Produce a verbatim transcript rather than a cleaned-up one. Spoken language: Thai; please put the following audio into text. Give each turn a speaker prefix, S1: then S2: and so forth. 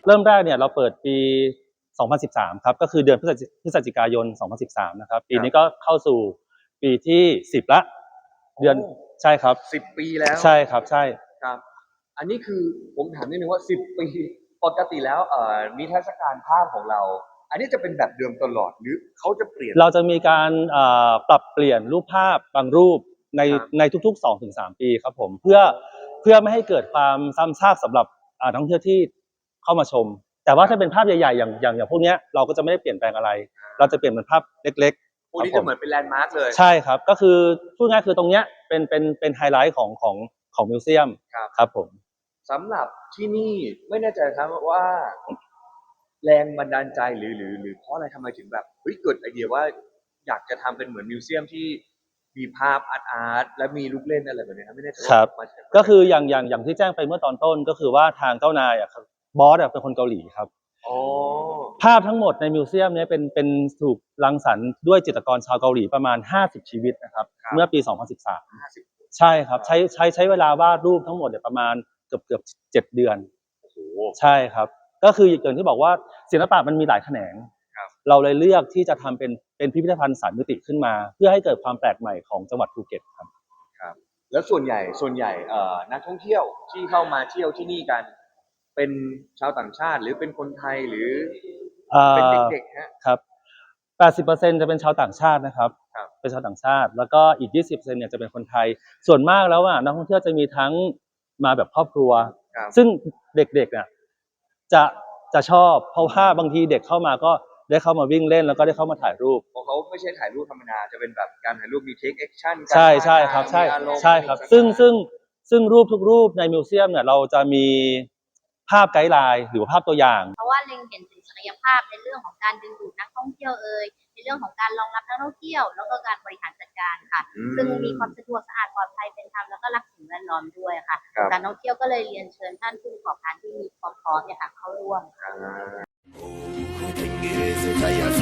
S1: เริ่มแรกเนี่ยเราเปิดปีสองพันสิบสามครับก็คือเดือนพฤศจิพฤศจิกายนสองพันสิบสามนะครับปีนี้ก็เข้าสู่ปีที่สิบละเดือนใช่ครับ
S2: สิบปีแล้ว
S1: ใช่ครับใช่
S2: ครับอันนี้คือผมถามนิดนึงว่าสิบปีปกติแล้วเอ่อนิทรรศการภาพของเราอันนี้จะเป็นแบบเดิมตลอดหรือเขาจะเปลี่ยน
S1: เราจะมีการปรับเปลี่ยนรูปภาพบางรูปในในทุกๆ สองถึงสาม ปีครับผมเพื่อเพื่อไม่ให้เกิดความซ้ำซากสำหรับนักท่องเที่ยวที่เข้ามาชมแต่ว่าถ้าเป็นภาพใหญ่ๆอย่างอย่างอย่างพวกนี้เราก็จะไม่ได้เปลี่ยนแปลงอะไรเราจะเปลี่ยนเป็นภาพเล็กๆ
S2: พวกนี้จะเหมือนเป็นแลนด์มาร์คเลย
S1: ใช่ครับก็คือพูดง่ายคือตรงเนี้ยเป็นเป็นเป็นไฮไลท์ของของของมิวเซียมครับผม
S2: สำหรับที่นี่ไม่แน่ใจครับว่าแรงบันดาลใจหรือหรือหรือเพราะอะไรทำไมถึงแบบเฮ้ยเกิดไอเดียว่าอยากจะทำเป็นเหมือนมิวเซียมที่มีภาพอาร์ตอาร์ตและมีลูกเล่นอะไรแบบนี้ครับไม่แน่ใจ
S1: ครับก็คืออย่างอย่างอย่างที่แจ้งไปเมื่อตอนต้นก็คือว่าทางเจ้านายอ่ะครับบอสอ่ะเป็นคนเกาหลีครับภาพทั้งหมดในมิวเซียมนี้เป็นเป็นถูกรังสรรค์ด้วยจิตรกรชาวเกาหลีประมาณห้าสิบชีวิตนะครับเมื่อปีสองพันสิบสามใช่ครับใช้ใช้ใช้เวลาวาดรูปทั้งหมดเนี่ยประมาณเกือบเกือบเจ็ดเดือนใช่ครับก็คืออย่างที่บอกว่าศิลปะมันมีหลายแขนงเราเลยเลือกที่จะทำเป็นเป็นพิพิธภัณฑ์สามมิติขึ้นมาเพื่อให้เกิดความแปลกใหม่ของจังหวัดภูเก็ตครับ
S2: ครับแล้วส่วนใหญ่ส่วนใหญ่เอ่อนักท่องเที่ยวที่เข้ามาเที่ยวที่นี่กันเป็นชาวต่างชาติหรือเป็นคนไทยหรือเป็นเด็กๆฮะ
S1: ครับ แปดสิบเปอร์เซ็นต์ จะเป็นชาวต่างชาตินะครับเป็นชาวต่างชาติแล้วก็อีก ยี่สิบเปอร์เซ็นต์ เนี่ยจะเป็นคนไทยส่วนมากแล้วอ่ะนักท่องเที่ยวจะมีทั้งมาแบบครอบครัวซึ่งเด็กๆเนี่ยจะจะชอบเพราะว่าบางทีเด็กเข้ามาก็ได้เข้ามาวิ่งเล่นแล้วก็ได้เข้ามาถ่ายรูป
S2: เพราะเขาไม่ใช่ถ่ายรูปธรรมดาจะเป็นแบบการถ่ายรูปมีเทคแอคชั่น
S1: ใช่ใช่ครับใช่ใช่ครับซึ่งซึ่งซึ่งรูปทุกรูปในมิวเซียมเนี่ยเราจะมีภาพไกด์ไลน์หรือภาพตัวอย่าง
S3: เพราะว่าเล็งเห็นถึงศักยภาพในเรื่องของการดึงดูดนักท่องเที่ยวเอ่ยในเรื่องของการรองรับนักท่องเที่ยวแล้วก็การบริหารจัดการค่ะซึ่งมีความสะดวกสะอาดปลอดภัยเป็นธรรมแล้วก็รักสิ่งแวดล้อมด้วยค่ะการท่องเที่ยวก็เลยเรียนเชิญท่านผู้ประกอบการที่มีความพร้อมเนี่ยค่ะเข้าร่วม